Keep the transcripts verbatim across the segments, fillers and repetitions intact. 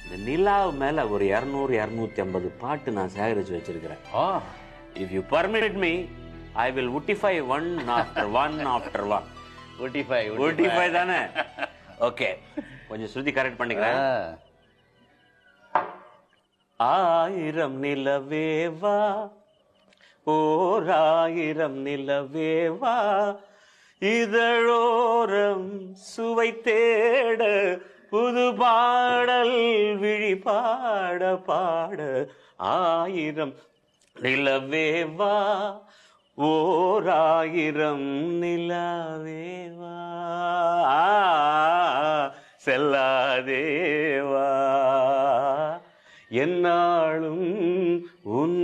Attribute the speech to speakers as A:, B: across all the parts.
A: இந்த நிலாவு மேல ஒரு இருநூறு இருநூத்தி ஐம்பது பாட்டு நான் சேகரிச்சு வச்சிருக்கிறேன். If you permit me, I will wotify one after one after one.
B: wotify
A: wotify தானே? ஓகே, கொஞ்சம் ஸ்ருதி கரெக்ட் பண்ணிக்கிறேன். ஆயிரம் நிலவேவா, ஓர் ஆயிரம் நிலவேவா, இதழோரம் சுவை தேட புது பாடல் விழி பாட பாட. ஆயிரம் நிலவேவா, ஓர் ஆயிரம் நிலவேவா, செல்லாதேவா, என்னாலும் உன்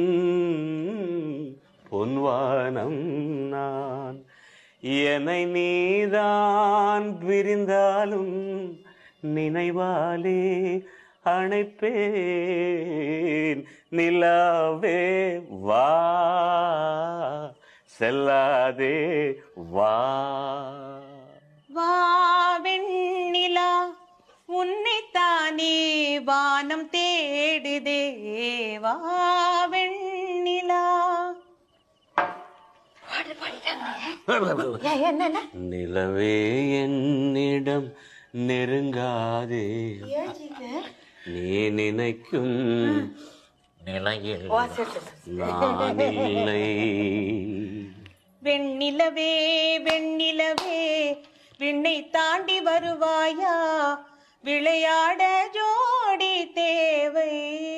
A: பொன்வானம் நான். என்னை நீதான் பிரிந்தாலும் நினைவாலே அணைப்பேன். நிலாவே வா, செல்லாதே வா.
C: வா வெண்ணிலா, உன்னைத்தானே வானம் தேடுதே. வா வெண்ணிலா.
A: நிலவே என்னிடம் நெருங்காதே, நீ நினைக்கும் நிலையில் நான் இல்லை.
C: வெண்ணிலவே வெண்ணிலவே, விண்ணை தாண்டி வருவாயா, விளையாட ஜோடி தேவை.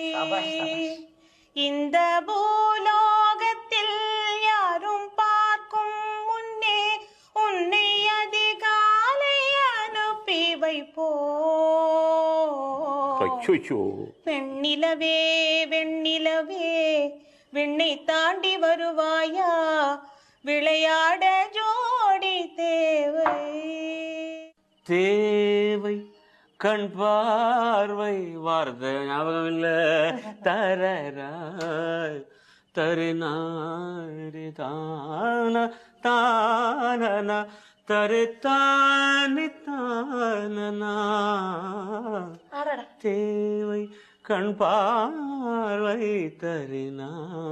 C: இந்த பூலோகத்தில் யாரும் பார்க்கும் முன்னே உன்னை அதிகாலை அனுப்பி வைப்போ. வெண்ணிலவே வெண்ணிலவே, விண்ணை தாண்டி வருவாயா, விளையாட ஜோடி தேவை.
A: தேவை கண் பார்வை, வார்த்தை ஞாபகம் இல்ல. தரராய் தருநாரி தான தானன தரு தானி தானனா. தேவை கண் பார்வை தருனா.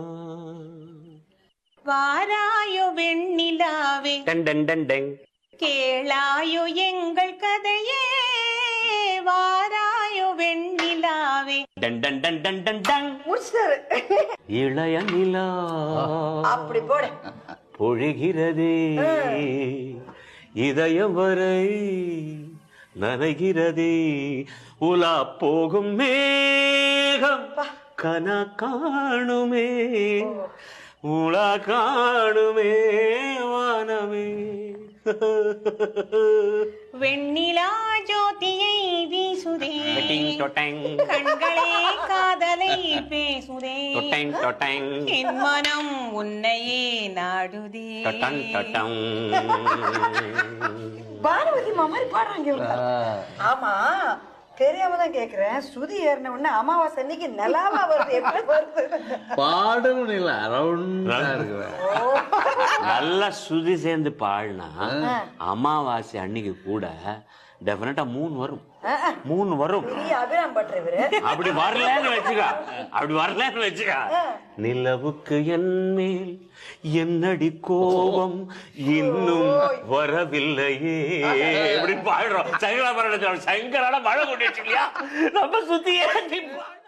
C: வாராயோ வெண்ணிலாவே,
A: டன் டன் டன் டங்,
C: கேளாயோ எங்கள் கதையே. வாராயோ வெண்ணிலாவே,
A: டன் டன் டன் டன் டன் டங். இளைய நிலா
D: அப்படி போடு
A: பொழிகிறதே, இதயம் வரை நனைகிறதே. உலா போகும் மேகம் கனா காணுமே, உலா காணுமே வானமே.
C: வெண்ணிலா ஜோதியை வீசுதே, கண்களே காதலை பேசுதே. என் மனம் உன்னையே நாடுதே.
D: பானுமதி மாதிரி பாடுறாங்க. ஆமா, தெரியாம தான் கேக்குறேன். சுதி ஏறின உடனே அமாவாசை அன்னைக்கு நிலாவா வருது, எப்படி வருது?
B: பாடணும் இல்ல, ரவுண்டா இருக்கு.
A: நல்லா சுதி சேர்ந்து பாடினா அமாவாசை அன்னைக்கு கூட டெஃபினட்டா மூணு வரும். மூணு வரும்.
D: அபிராம் பண்றவரு
A: அப்படி வரலன்னு வச்சுக்கா, அப்படி வரலன்னு வச்சுக்கா. நிலவுக்கு என் மேல் என்னடி கோபம் இன்னும் வரவில்லையே. எப்படி பாடுறோம். சங்கரா சங்கரான மழை கொண்டு வச்சுக்கலையா நம்ம சுத்தியே.